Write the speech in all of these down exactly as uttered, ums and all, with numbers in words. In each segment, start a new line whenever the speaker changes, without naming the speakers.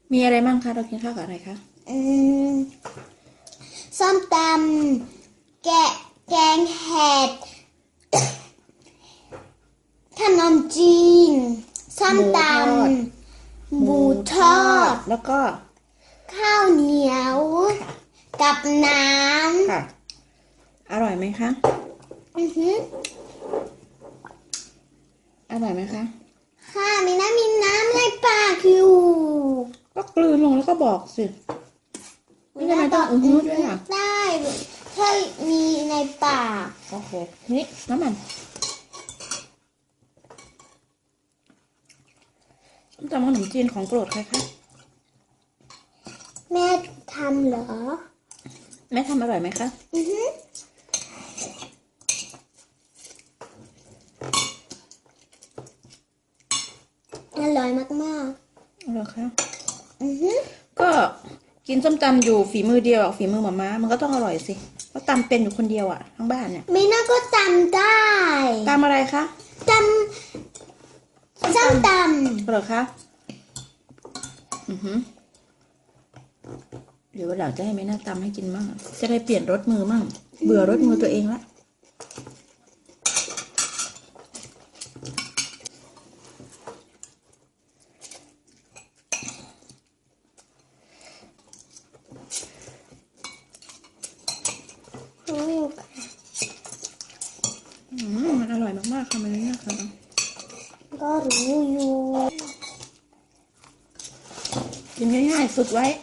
มีอะไรมั่งคะเรากินข้าวกับอะไรคะ
อืมส้มตำแกะแกงเห็ดขนมจีนส้ม
หมู
ต
ทอด
ำหมู
หมู
ท
ท
อ
อด
ด
แล้วก็
ข้าวเหนียว
ค่ะ
กับน้
ค่ะอร่อยไหมคะ
ำอือหือ
อร่อยไหมคะ
ค่ะมีน้ำมีน้ำในปากอยู่
ก็กลืนลงแล้วก็บอกสิไม่จำเป็นต้องอือฮึด้วยอ่ะ
ได้ถ้ามีในปาก
โอเคนี่น้ำมันส้มตำขนมจีนของโปรดใครคะ
แม่ทำเหรอ
แม่ทำอร่อยไหมคะ
อือฮึอร่อยมาก
อร่อยค่ะ
ๆอือฮึ
ก็กินส้มตำอยู่ฝีมือเดียวฝีมือหม่าม้ามันก็ต้องอร่อยสิเพราะตำเป็นอยู่คนเดียวอ่ะทั้งบ้านเนี่ย
มีน่าก็จำได้
ตำอะไรคะ
จำส้มต
เหรอคะอือหือเดี๋ยววันหลังจะให้แม่น่าตำให้กินมั่งจะได้เปลี่ยนรสมือมั่งเบื่อรสมือตัวเองละ
ำรู้อยู่
อืมมันอร่อยมากๆค่ะมันนี่นะคะ
ก็รู้อยู่
กินง่ายๆฝึกไว้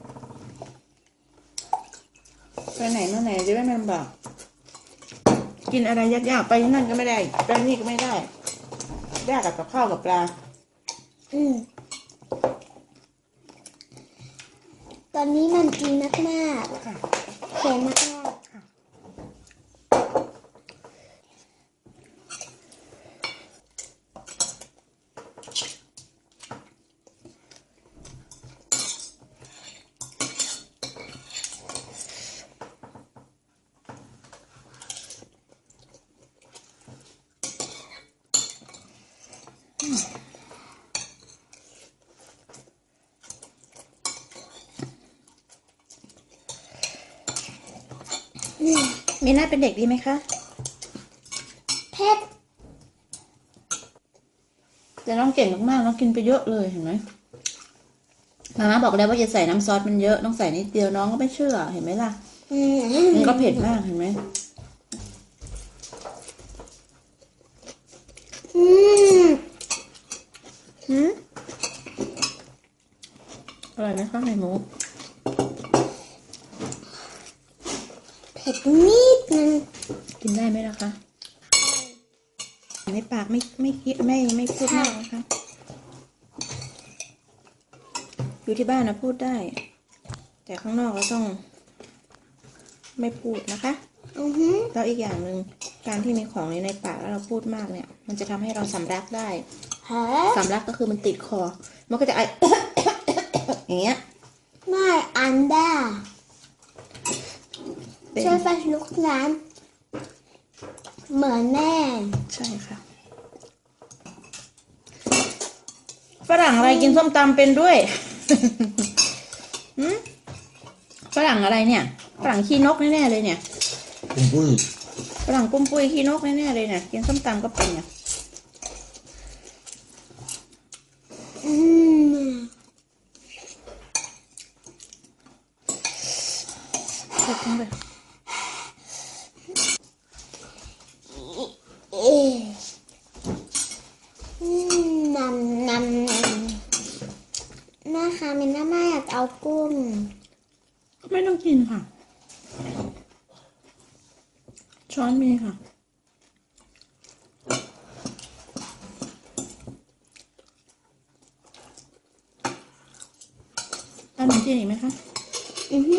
ไปไหนมาไหนจะได้ไม่ลำบากกินอะไรยากๆไปนั่นก็ไม่ได้ไปนี่ก็ไม่ได้ยากกับกับข้าวกับปลา
อืมตอนนี้มันกินมากๆเค็มมาก
มีน่าเป็นเด็กดีไหมคะ
ๆเผ็ด
แต่น้องเก่งมากๆน้องกินไปเยอะเลยเห็นไหมมาม่าบอกแล้วว่าอย่าใส่น้ำซอสมันเยอะต้องใส่นิดเดียวน้องก็ไม่เชื่อเห็นไหมล่ะ
อื
มันก็เผ็ด
ม
มากเห็นไหม
อืม
หืมอร่อยไหมคะไข่หมู
เผ็ดนิดนึง
กินได้ไหมล่ะคะในปากไม่ไม่คิดไม่ไม่พูดมากนะคะอยู่ที่บ้านนะพูดได้แต่ข้างนอกเราต้องไม่พูดนะคะ
อือหือ
แล้วอีกอย่างหนึ่งการที่มีของในปากแล้วเราพูดมากเนี่ยมันจะทำให้เราสำลักได้
ฮะ
สำลักก็คือมันติดคอมันก็จะไอ อย่างเงี้ย
ไม่อันด้า
เป็น
ช่วยไฟลุกน้ำเหมือนแม่
ใช่ค่ะฝรั่งอะไรกินส้มตำเป็นด้วย หืมฝรั่งอะไรเนี่ยฝรั่งขี้นกแน่ๆเลยเนี่ย
ปุ้มปุ้ย
ฝรั่งปุ้มปุ้ยขี้นกแน่ๆเลยเนี่ยกินส้มตำก็เป็นเนี่ย
อืม
เผ็ดจังเลย
เอ๊ะอืมนำนำนำนะคะมินน่าไม่อยากเอากุ้ง
ไม่ต้องกินค่ะช้อนมีค่ะเอาขนมจีนอีกไหมคะ
อือฮึ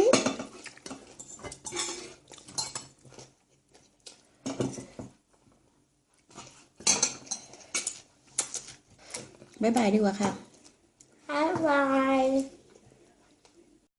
บ๊ายบายดีกว่าค่ะ
บ๊ายบาย